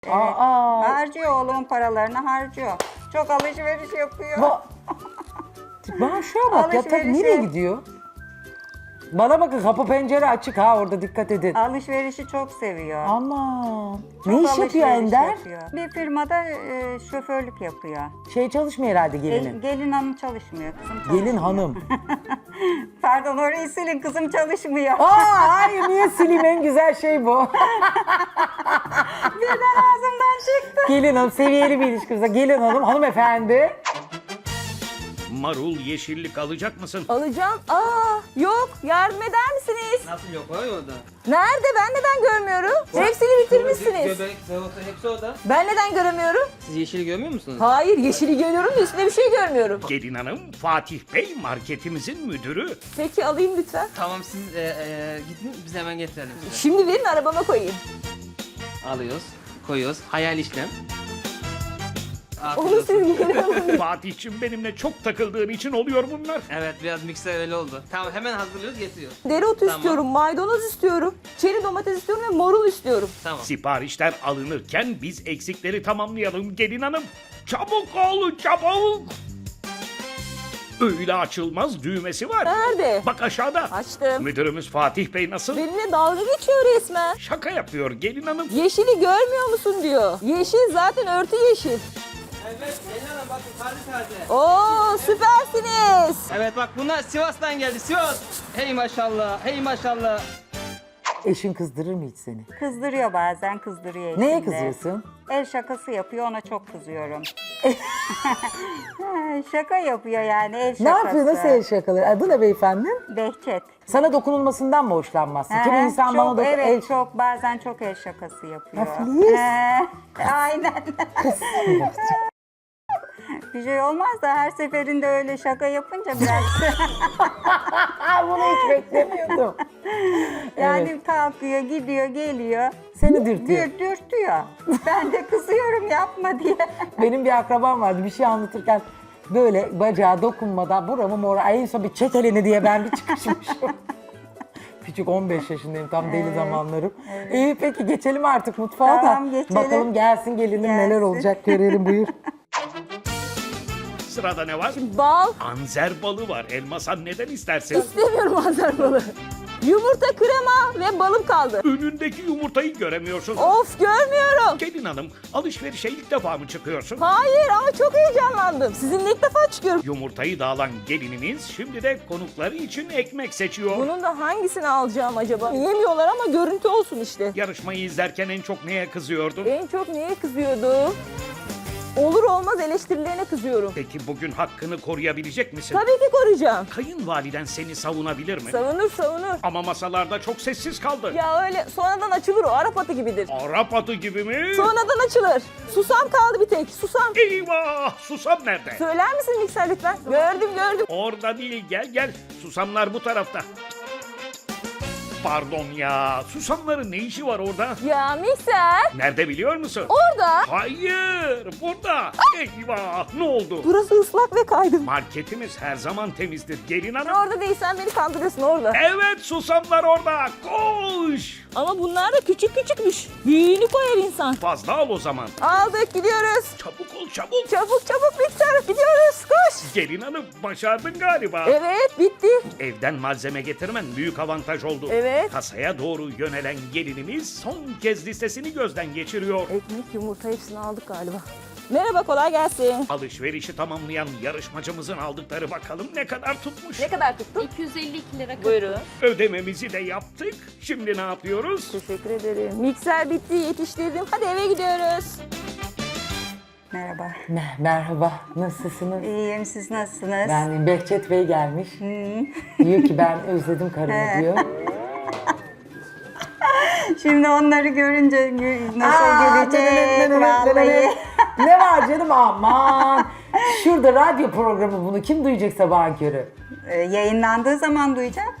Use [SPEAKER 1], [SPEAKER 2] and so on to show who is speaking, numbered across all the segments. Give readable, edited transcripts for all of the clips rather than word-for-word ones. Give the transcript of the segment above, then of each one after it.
[SPEAKER 1] Harcıyor, oğlumun paralarını harcıyor. Çok alışveriş yapıyor.
[SPEAKER 2] Bana şuna bak ya, tabii
[SPEAKER 1] Alışverişi.
[SPEAKER 2] nereye gidiyor? Bana bakın, kapı pencere açık ha, orada dikkat edin.
[SPEAKER 1] Alışverişi çok seviyor.
[SPEAKER 2] Aman.
[SPEAKER 1] Çok
[SPEAKER 2] Ne iş yapıyor
[SPEAKER 1] alışveriş
[SPEAKER 2] Ender?
[SPEAKER 1] yapıyor. Bir firmada şoförlük yapıyor.
[SPEAKER 2] Şey çalışmıyor herhalde gelinin.
[SPEAKER 1] Gelin hanım çalışmıyor, kızım çalışmıyor.
[SPEAKER 2] Gelin hanım.
[SPEAKER 1] Pardon, orayı silin, kızım çalışmıyor.
[SPEAKER 2] Hayır, niye sileyim, en güzel şey bu.
[SPEAKER 1] Birden ağzımdan çıktı.
[SPEAKER 2] Gelin hanım, seviyeli bir ilişkimize. Gelin hanım, hanımefendi.
[SPEAKER 3] Marul, yeşillik alacak mısın?
[SPEAKER 4] Alacağım. Yok. Yardım eder misiniz?
[SPEAKER 5] Nasıl yok? Var ya orada.
[SPEAKER 4] Nerede? Ben neden görmüyorum? Hepsini bitirmişsiniz.
[SPEAKER 5] Göbek, salata hepsi orada.
[SPEAKER 4] Ben neden göremiyorum?
[SPEAKER 5] Siz yeşili görmüyor musunuz?
[SPEAKER 4] Hayır, yeşili görüyorum da üstüne bir şey görmüyorum.
[SPEAKER 3] Gelin hanım, Fatih Bey marketimizin müdürü.
[SPEAKER 4] Peki alayım lütfen.
[SPEAKER 5] Tamam siz gidin biz hemen getirelim size.
[SPEAKER 4] Şimdi verin, arabama koyayım.
[SPEAKER 5] Alıyoruz, koyuyoruz. Hayal işlem. Afiyet
[SPEAKER 4] Onu
[SPEAKER 5] olsun.
[SPEAKER 4] siz geri alın.
[SPEAKER 3] Fatih'cim, benimle çok takıldığın için oluyor bunlar.
[SPEAKER 5] Evet biraz mikser öyle oldu. Tamam hemen hazırlıyoruz getiriyoruz.
[SPEAKER 4] Dereotu
[SPEAKER 5] Tamam.
[SPEAKER 4] istiyorum, maydanoz istiyorum, çeri domates istiyorum ve marul istiyorum.
[SPEAKER 5] Tamam.
[SPEAKER 3] Siparişler alınırken biz eksikleri tamamlayalım gelin hanım. Çabuk ol, çabuk. Öyle açılmaz düğmesi var.
[SPEAKER 4] Nerede?
[SPEAKER 3] Bak aşağıda.
[SPEAKER 4] Açtım.
[SPEAKER 3] Müdürümüz Fatih Bey nasıl?
[SPEAKER 4] Benimle dalga geçiyor resmen.
[SPEAKER 3] Şaka yapıyor gelin hanım.
[SPEAKER 4] Yeşili görmüyor musun diyor. Yeşil zaten örtü yeşil.
[SPEAKER 5] Evet gelin hanım bakın taze taze.
[SPEAKER 4] Oo, süpersiniz.
[SPEAKER 5] Evet bak bunlar Sivas'tan geldi Sivas. Hey maşallah, hey maşallah.
[SPEAKER 2] Eşin kızdırır mı hiç seni?
[SPEAKER 1] Kızdırıyor bazen, kızdırıyor
[SPEAKER 2] Neye
[SPEAKER 1] içinde.
[SPEAKER 2] kızıyorsun?
[SPEAKER 1] El şakası yapıyor, ona çok kızıyorum. Şaka yapıyor yani, el şakası.
[SPEAKER 2] Ne yapıyor, nasıl el şakaları? Adı ne beyefendi?
[SPEAKER 1] Behçet.
[SPEAKER 2] Sana dokunulmasından mı hoşlanmazsın? Kimi insan
[SPEAKER 1] çok,
[SPEAKER 2] bana
[SPEAKER 1] evet,
[SPEAKER 2] el...
[SPEAKER 1] çok bazen çok el şakası yapıyor.
[SPEAKER 2] Ha, Filiz.
[SPEAKER 1] Aynen. Bir şey olmaz da her seferinde öyle şaka yapınca biraz
[SPEAKER 2] Bunu hiç beklemiyordum.
[SPEAKER 1] yani
[SPEAKER 2] Evet.
[SPEAKER 1] kalkıyor, gidiyor, geliyor.
[SPEAKER 2] Seni dürtüyor.
[SPEAKER 1] Dürtüyor. Ben de kızıyorum, yapma diye.
[SPEAKER 2] Benim bir akrabam vardı, bir şey anlatırken böyle bacağa dokunmadan buramı mora, en son bir çek elini diye ben bir çıkışmışım. Küçük 15 yaşındayım, tam deli zamanlarım. İyi peki, geçelim artık mutfağa
[SPEAKER 1] Tamam,
[SPEAKER 2] da.
[SPEAKER 1] geçelim.
[SPEAKER 2] Bakalım gelsin gelinim, neler
[SPEAKER 1] Gelsin.
[SPEAKER 2] olacak görelim, buyur.
[SPEAKER 3] Sırada ne var?
[SPEAKER 4] Bal.
[SPEAKER 3] Anzer balı var. Elmasan neden istersin?
[SPEAKER 4] İstemiyorum azar balı. Yumurta, krema ve balım kaldı.
[SPEAKER 3] Önündeki yumurtayı göremiyorsun.
[SPEAKER 4] Of, görmüyorum.
[SPEAKER 3] Gelin hanım, alışverişe ilk defa mı çıkıyorsun?
[SPEAKER 4] Hayır ama çok heyecanlandım. Sizinle ilk defa çıkıyorum.
[SPEAKER 3] Yumurtayı da alan gelinimiz şimdi de konukları için ekmek seçiyor.
[SPEAKER 4] Bunun da hangisini alacağım acaba? Yemiyorlar ama görüntü olsun işte.
[SPEAKER 3] Yarışmayı izlerken en çok neye kızıyordun?
[SPEAKER 4] En çok neye kızıyordum? Olur olmaz eleştirilerine kızıyorum.
[SPEAKER 3] Peki bugün hakkını koruyabilecek misin?
[SPEAKER 4] Tabii ki koruyacağım.
[SPEAKER 3] Kayınvaliden seni savunabilir mi?
[SPEAKER 4] Savunur.
[SPEAKER 3] Ama masalarda çok sessiz kaldı.
[SPEAKER 4] Ya öyle sonradan açılır o, Arap atı gibidir.
[SPEAKER 3] Arap atı gibi mi?
[SPEAKER 4] Sonradan açılır. Susam kaldı bir tek, susam.
[SPEAKER 3] Eyvah! Susam nerede?
[SPEAKER 4] Söyler misin mikser lütfen? Gördüm.
[SPEAKER 3] Orada değil, gel. Susamlar bu tarafta. Pardon ya, susamların ne işi var orada?
[SPEAKER 4] Ya mikser.
[SPEAKER 3] Nerede biliyor musun?
[SPEAKER 4] Orada.
[SPEAKER 3] Hayır, burada. Eyvah, ne oldu?
[SPEAKER 4] Burası ıslak ve kaydım.
[SPEAKER 3] Marketimiz her zaman temizdir gelin hanım.
[SPEAKER 4] Orada değilsen beni kandırıyorsun orada.
[SPEAKER 3] Evet, susamlar orada. Koş!
[SPEAKER 4] Ama bunlar da küçükmüş. Büyüğünü koyar insan.
[SPEAKER 3] Fazla al o zaman.
[SPEAKER 4] Aldık, gidiyoruz.
[SPEAKER 3] Çabuk ol, çabuk.
[SPEAKER 4] Çabuk mikser, gidiyoruz. Koş.
[SPEAKER 3] Gelin hanım, başardın galiba.
[SPEAKER 4] Evet, bitti.
[SPEAKER 3] Evden malzeme getirmen büyük avantaj oldu.
[SPEAKER 4] Evet.
[SPEAKER 3] Kasaya doğru yönelen gelinimiz son kez listesini gözden geçiriyor.
[SPEAKER 4] Ekmek, yumurta hepsini aldık galiba. Merhaba, kolay gelsin.
[SPEAKER 3] Alışverişi tamamlayan yarışmacımızın aldıkları bakalım ne kadar tutmuş.
[SPEAKER 4] Ne kadar tuttu?
[SPEAKER 6] 252 lira.
[SPEAKER 4] Buyurun.
[SPEAKER 3] Ödememizi de yaptık. Şimdi ne yapıyoruz?
[SPEAKER 4] Teşekkür ederim. Mikser bitti, yetiştirdim. Hadi eve gidiyoruz.
[SPEAKER 1] Merhaba.
[SPEAKER 2] Merhaba, nasılsınız?
[SPEAKER 1] İyiyim, siz nasılsınız?
[SPEAKER 2] Ben Behçet Bey gelmiş. Diyor ki ben özledim karımı diyor.
[SPEAKER 1] Şimdi onları görünce nasıl gelecek vallahi.
[SPEAKER 2] Ne var canım, aman. Şurada radyo programı, bunu kim duyacak sabahın körü?
[SPEAKER 1] Yayınlandığı zaman duyacak.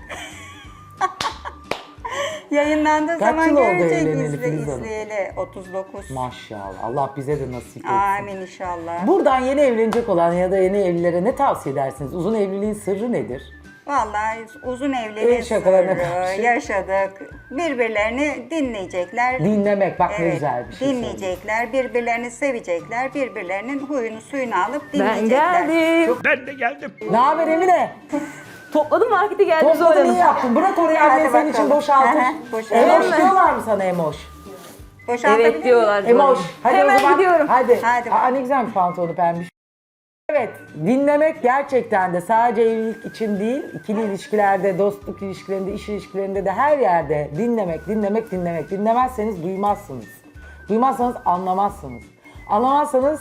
[SPEAKER 1] Yayınlandığı
[SPEAKER 2] Kaç
[SPEAKER 1] zaman
[SPEAKER 2] yıl oldu
[SPEAKER 1] görecek,
[SPEAKER 2] evleneli Filiz Hanım?
[SPEAKER 1] izleyeli. 39.
[SPEAKER 2] Maşallah, Allah bize de nasip etsin.
[SPEAKER 1] Amin inşallah.
[SPEAKER 2] Buradan yeni evlenecek olan ya da yeni evlilere ne tavsiye edersiniz? Uzun evliliğin sırrı nedir?
[SPEAKER 1] Vallahi uzun
[SPEAKER 2] El
[SPEAKER 1] evliliği
[SPEAKER 2] şakalarına karşı.
[SPEAKER 1] yaşadık. Birbirlerini dinleyecekler.
[SPEAKER 2] Dinlemek bak ne
[SPEAKER 1] Evet,
[SPEAKER 2] güzel bir şey.
[SPEAKER 1] dinleyecekler, birbirlerini sevecekler, birbirlerinin huyunu suyunu alıp
[SPEAKER 4] Ben
[SPEAKER 1] dinleyecekler.
[SPEAKER 4] geldim.
[SPEAKER 3] Ben de geldim.
[SPEAKER 2] Ne haber Emine?
[SPEAKER 4] Topladım markete geldim Zuhal
[SPEAKER 2] Topladın iyi
[SPEAKER 4] Hanım.
[SPEAKER 2] yaptın. Bırak orayı
[SPEAKER 1] Hadi
[SPEAKER 2] annen senin için
[SPEAKER 1] bakalım.
[SPEAKER 2] boşaltır.
[SPEAKER 1] Aha, boşalt.
[SPEAKER 2] Emoş
[SPEAKER 4] Hemen.
[SPEAKER 2] diyorlar mı sana Emoş?
[SPEAKER 1] Boşaltabilir
[SPEAKER 4] Evet
[SPEAKER 1] miyim?
[SPEAKER 4] diyorlar Zuhal
[SPEAKER 2] Emoş.
[SPEAKER 4] Hanım.
[SPEAKER 2] Hadi
[SPEAKER 4] Hemen
[SPEAKER 2] o zaman.
[SPEAKER 4] gidiyorum.
[SPEAKER 2] Hadi.
[SPEAKER 1] Hadi.
[SPEAKER 2] Aa, ne güzel bir pantolonu pembiş. Evet, dinlemek gerçekten de sadece evlilik için değil, ikili ilişkilerde, dostluk ilişkilerinde, iş ilişkilerinde de her yerde dinlemek. Dinlemezseniz duymazsınız. Duymazsanız anlamazsınız. Anlamazsanız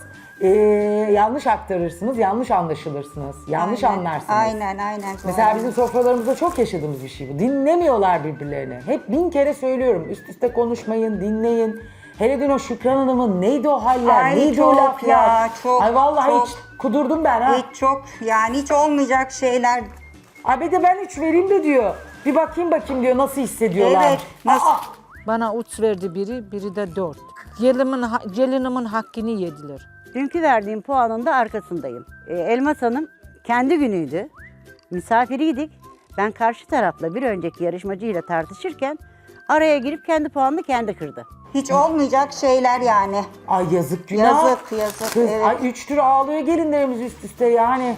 [SPEAKER 2] yanlış aktarırsınız, yanlış anlaşılırsınız, yanlış anlarsınız.
[SPEAKER 1] Aynen.
[SPEAKER 2] Mesela bizim sofralarımızda çok yaşadığımız bir şey bu. Dinlemiyorlar birbirlerini. Hep 1000 kere söylüyorum. Üst üste konuşmayın, dinleyin. Hele dün o Şükran Hanım'ın neydi o haller,
[SPEAKER 1] Ay,
[SPEAKER 2] neydi
[SPEAKER 1] çok
[SPEAKER 2] o laflar.
[SPEAKER 1] ya, çok,
[SPEAKER 2] Ay vallahi
[SPEAKER 1] çok.
[SPEAKER 2] hiç kudurdum ben ha.
[SPEAKER 1] Hiç çok yani hiç olmayacak şeyler.
[SPEAKER 2] Abi de ben 3 vereyim de diyor. Bir bakayım diyor nasıl hissediyorlar.
[SPEAKER 1] Evet, nasıl?
[SPEAKER 6] Bana 3 verdi biri de 4. Gelinimin hakkını yediler.
[SPEAKER 7] Dünkü verdiğim puanın da arkasındayım. Elmas Hanım kendi günüydü. Misafiriydik. Ben karşı tarafla bir önceki yarışmacıyla tartışırken araya girip kendi puanını kendi kırdı.
[SPEAKER 1] Hiç olmayacak şeyler yani.
[SPEAKER 2] Ay yazık günah.
[SPEAKER 1] Yazık,
[SPEAKER 2] Kız,
[SPEAKER 1] evet.
[SPEAKER 2] ay 3 tür ağlıyor gelinlerimiz üst üste yani.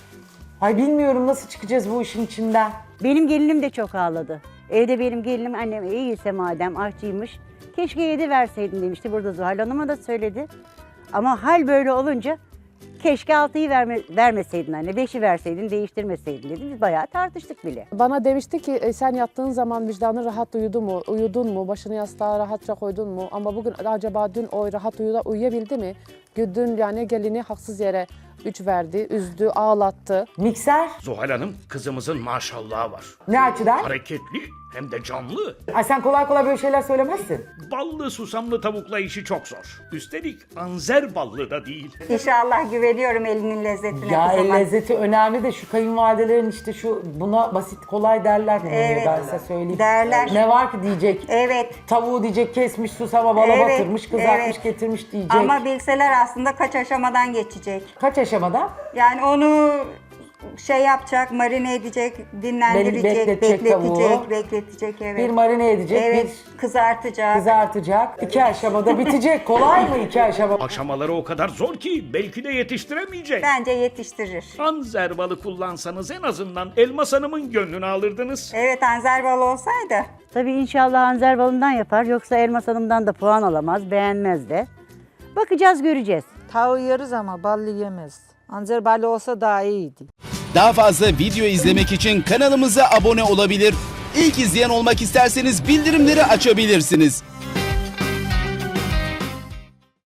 [SPEAKER 2] Ay bilmiyorum nasıl çıkacağız bu işin içinden.
[SPEAKER 7] Benim gelinim de çok ağladı. Evde benim gelinim annem iyiyse madem aşçıymış. Keşke 7 verseydin demişti. Burada Zuhal Hanım'a da söyledi. Ama hal böyle olunca keşke 6'yı vermeseydin anne. 5'i verseydin değiştirmeseydin dedi. Biz bayağı tartıştık bile.
[SPEAKER 8] Bana demişti ki sen yattığın zaman vicdanın rahat uyudun mu, başını yastığa rahatça koydun mu? Ama bugün acaba dün o rahat uyuyabildi mi? Dün yani gelini haksız yere 3 verdi, üzdü, ağlattı.
[SPEAKER 2] Mikser
[SPEAKER 3] Zuhal Hanım kızımızın maşallahı var.
[SPEAKER 2] ne açıdan?
[SPEAKER 3] Hareketli hem de canlı.
[SPEAKER 2] Ay sen kolay kolay böyle şeyler söylemezsin.
[SPEAKER 3] Ballı susamlı tavukla işi çok zor. Üstelik anzer ballı da değil.
[SPEAKER 1] İnşallah güveniyorum elinin lezzetine.
[SPEAKER 2] Ya el
[SPEAKER 1] kızıma.
[SPEAKER 2] lezzeti önemli de şu kayınvalidelerin işte şu buna basit kolay derler.
[SPEAKER 1] Evet,
[SPEAKER 2] Ben size söyleyeyim.
[SPEAKER 1] derler.
[SPEAKER 2] Ne var ki diyecek.
[SPEAKER 1] Evet.
[SPEAKER 2] Tavuğu diyecek kesmiş susama bala
[SPEAKER 1] Evet,
[SPEAKER 2] batırmış kızartmış
[SPEAKER 1] evet.
[SPEAKER 2] getirmiş diyecek.
[SPEAKER 1] Ama bilseler aslında kaç aşamadan geçecek.
[SPEAKER 2] Kaç aşamada?
[SPEAKER 1] Yani onu şey yapacak, marine edecek, dinlendirecek,
[SPEAKER 2] Bekletecek
[SPEAKER 1] bekletecek evet.
[SPEAKER 2] Bir marine edecek,
[SPEAKER 1] Evet,
[SPEAKER 2] bir
[SPEAKER 1] kızartacak.
[SPEAKER 2] kızartacak. 2 aşamada bitecek. Kolay mı 2 aşama?
[SPEAKER 3] Aşamaları o kadar zor ki belki de yetiştiremeyecek.
[SPEAKER 1] Bence yetiştirir.
[SPEAKER 3] Anzer balı kullansanız en azından Elmas Hanım'ın gönlünü alırdınız.
[SPEAKER 1] Evet, anzer balı olsaydı.
[SPEAKER 7] Tabii inşallah Anzer balından yapar. Yoksa Elmas Hanım'dan da puan alamaz, beğenmez de. Bakacağız, göreceğiz.
[SPEAKER 6] Tavuğu yeriz ama ballı yemez. Anzer ballı olsa daha iyiydi.
[SPEAKER 9] Daha fazla video izlemek için kanalımıza abone olabilir. İlk izleyen olmak isterseniz bildirimleri açabilirsiniz.